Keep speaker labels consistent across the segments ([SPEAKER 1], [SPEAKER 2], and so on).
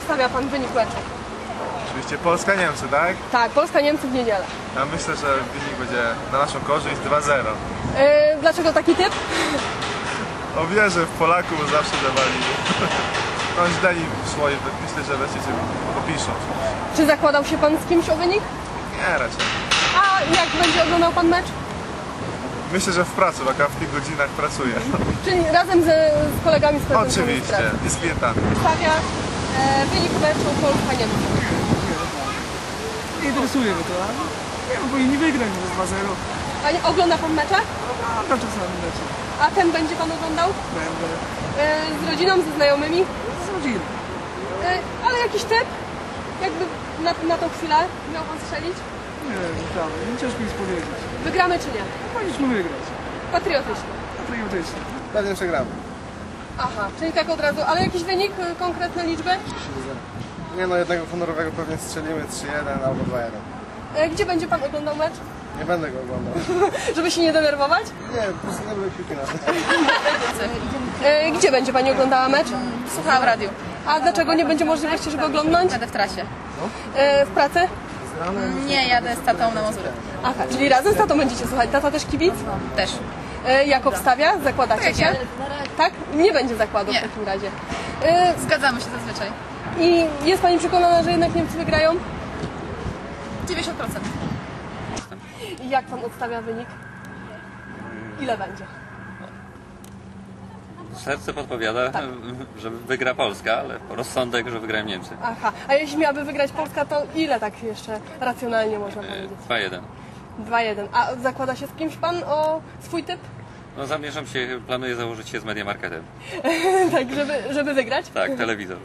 [SPEAKER 1] obstawia pan wynik meczu?
[SPEAKER 2] Oczywiście Polska-Niemcy, tak?
[SPEAKER 1] Tak, Polska-Niemcy w niedzielę.
[SPEAKER 2] Ja myślę, że wynik będzie na naszą korzyść 2-0.
[SPEAKER 1] Dlaczego taki typ?
[SPEAKER 2] O, wierzę w Polaków, zawsze dawali. No źle im szło i myślę, że wreszcie się popiszą.
[SPEAKER 1] Czy zakładał się pan z kimś o wynik?
[SPEAKER 2] Nie, raczej.
[SPEAKER 1] A jak będzie oglądał pan mecz?
[SPEAKER 2] Myślę, że w pracy, bo ja w tych godzinach pracuję.
[SPEAKER 1] Czyli razem z kolegami z
[SPEAKER 2] Oczywiście, i z klientami.
[SPEAKER 1] Stawia wynik meczu Polska-Niemcy.
[SPEAKER 3] Nie interesuje mnie to, ale nie wiem, powinni wygrać 2-0.
[SPEAKER 1] A nie, ogląda pan mecze?
[SPEAKER 3] Oglądam czasami mecze.
[SPEAKER 1] A ten będzie pan oglądał?
[SPEAKER 3] Będę
[SPEAKER 1] Z rodziną, ze znajomymi?
[SPEAKER 3] z rodziną.
[SPEAKER 1] Ale jakiś typ? Jakby na tą chwilę miał pan strzelić?
[SPEAKER 3] Nie wiem, naprawdę, nie ciężko mi powiedzieć.
[SPEAKER 1] Wygramy czy nie?
[SPEAKER 3] Powinniśmy wygrać.
[SPEAKER 1] Patriotycznie.
[SPEAKER 3] Patriotycznie.
[SPEAKER 2] Pewnie przegramy.
[SPEAKER 1] Aha, czyli tak od razu. Ale jakiś wynik, konkretne liczby?
[SPEAKER 2] Nie no, jednego honorowego pewnie strzelimy 3-1 albo 2-1.
[SPEAKER 1] Gdzie będzie pan oglądał mecz?
[SPEAKER 2] Nie będę go oglądał.
[SPEAKER 1] Żeby się nie denerwować?
[SPEAKER 2] Nie, po prostu nie lubię piłki nożnej.
[SPEAKER 1] Gdzie będzie pani oglądała mecz?
[SPEAKER 4] Słuchałam w radiu.
[SPEAKER 1] A dlaczego nie będzie możliwości, żeby oglądnąć?
[SPEAKER 4] Będę w trasie.
[SPEAKER 1] W pracy?
[SPEAKER 4] Nie, jadę z tatą na Mazury.
[SPEAKER 1] Aha, czyli razem z tatą będziecie słuchać. Tata też kibic?
[SPEAKER 4] Też.
[SPEAKER 1] Jak obstawia? Zakładacie
[SPEAKER 4] Tak,
[SPEAKER 1] się?
[SPEAKER 4] ja.
[SPEAKER 1] Tak? Nie będzie zakładu
[SPEAKER 4] Nie.
[SPEAKER 1] w takim razie.
[SPEAKER 4] Zgadzamy się zazwyczaj.
[SPEAKER 1] I jest pani przekonana, że jednak Niemcy wygrają?
[SPEAKER 4] 90%.
[SPEAKER 1] I jak pan odstawia wynik? Ile będzie?
[SPEAKER 5] Serce podpowiada, że wygra Polska, ale rozsądek, że wygrają Niemcy.
[SPEAKER 1] Aha, a jeśli miałaby wygrać Polska, to ile tak jeszcze racjonalnie można powiedzieć?
[SPEAKER 5] 2-1.
[SPEAKER 1] 2-1. A zakłada się z kimś pan o swój typ?
[SPEAKER 5] No zamierzam się, planuję założyć się z Mediamarketem.
[SPEAKER 1] Tak, żeby wygrać?
[SPEAKER 5] Tak, telewizor.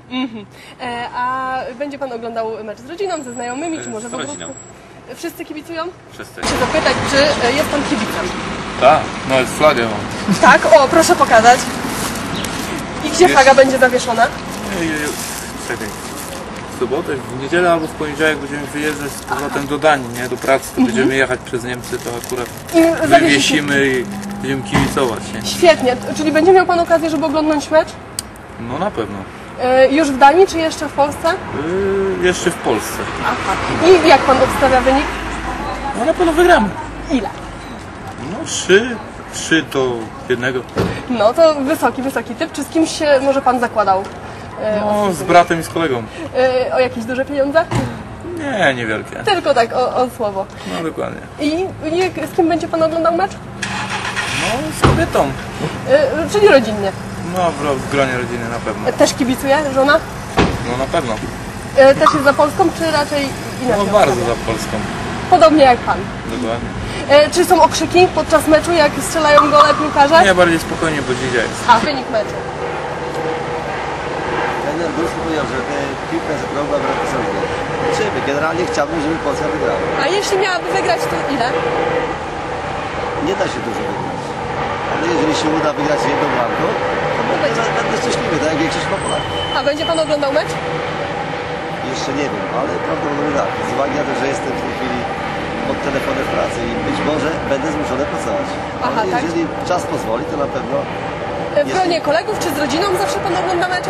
[SPEAKER 1] A będzie pan oglądał mecz z rodziną, ze znajomymi, czy może
[SPEAKER 5] Z
[SPEAKER 1] w ogóle?
[SPEAKER 5] rodziną.
[SPEAKER 1] Wszyscy kibicują?
[SPEAKER 5] Wszyscy.
[SPEAKER 1] Chcę zapytać, czy jest pan kibicem?
[SPEAKER 6] Tak, nawet flagę mam.
[SPEAKER 1] Tak? O, proszę pokazać. I gdzie flaga będzie zawieszona?
[SPEAKER 6] Czekaj. W sobotę, w niedzielę albo w poniedziałek będziemy wyjeżdżać z powrotem do Danii, nie? Do pracy. Będziemy jechać przez Niemcy, to akurat
[SPEAKER 1] I
[SPEAKER 6] wywiesimy i będziemy kibicować, nie?
[SPEAKER 1] Świetnie, czyli będzie miał pan okazję, żeby oglądać mecz?
[SPEAKER 6] No na pewno.
[SPEAKER 1] Już w Danii, czy jeszcze w Polsce?
[SPEAKER 6] Jeszcze w Polsce.
[SPEAKER 1] Aha. I jak pan obstawia wynik?
[SPEAKER 6] No na pewno wygramy.
[SPEAKER 1] Ile?
[SPEAKER 6] No 3 do 1.
[SPEAKER 1] No to wysoki typ. Czy z kimś się może pan zakładał?
[SPEAKER 6] No z bratem i z kolegą.
[SPEAKER 1] O jakieś duże pieniądze?
[SPEAKER 6] Nie, niewielkie.
[SPEAKER 1] Tylko tak, o słowo.
[SPEAKER 6] No dokładnie.
[SPEAKER 1] I z kim będzie pan oglądał mecz?
[SPEAKER 6] No z kobietą.
[SPEAKER 1] Czyli rodzinnie.
[SPEAKER 6] No w gronie rodziny na pewno.
[SPEAKER 1] Też kibicuje żona?
[SPEAKER 6] No na pewno.
[SPEAKER 1] Też jest za Polską, czy raczej
[SPEAKER 6] No
[SPEAKER 1] inaczej?
[SPEAKER 6] bardzo za Polską.
[SPEAKER 1] Podobnie jak pan.
[SPEAKER 6] Dokładnie.
[SPEAKER 1] Czy są okrzyki podczas meczu, jak strzelają gole piłkarze?
[SPEAKER 6] Nie, bardziej spokojnie, bo dzisiaj jest.
[SPEAKER 1] A, wynik meczu.
[SPEAKER 7] Trener Górski powiedział, że piłka jest okrągła, bramki są dwie. Liczymy. Generalnie chciałbym, żeby Polska wygrała.
[SPEAKER 1] A jeśli miałaby wygrać, to ile?
[SPEAKER 7] Nie da się dużo wygrać. Ale jeżeli się uda wygrać jedną bramką, to będę szczęśliwy, tak jak większość Polaków.
[SPEAKER 1] A będzie pan oglądał mecz?
[SPEAKER 7] Jeszcze nie wiem, ale prawdopodobnie tak. Z uwagi na to, że jestem w tej chwili pod telefonem w pracy i być może będę zmuszony pracować.
[SPEAKER 1] Aha,
[SPEAKER 7] Ale
[SPEAKER 1] tak?
[SPEAKER 7] jeżeli czas pozwoli, to na pewno
[SPEAKER 1] W gronie kolegów, czy z rodziną zawsze pan ogląda mecze?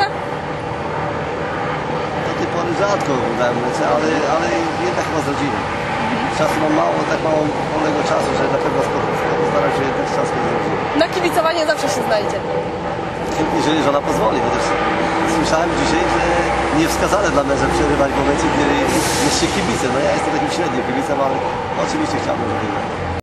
[SPEAKER 7] do tej pory rzadko oglądałem mecze, ale jednak chyba z rodziną. Czasu mam mało, tak mało wolnego czasu, że na pewno staram się jednak czas z rodziną.
[SPEAKER 1] Na kibicowanie zawsze się znajdzie.
[SPEAKER 7] Jeżeli żona pozwoli, chociaż słyszałem dzisiaj, że niewskazane dla męża przerywać w momencie, kiedy jest się kibicem. No ja jestem takim średnim kibicem, ale oczywiście chciałbym, żeby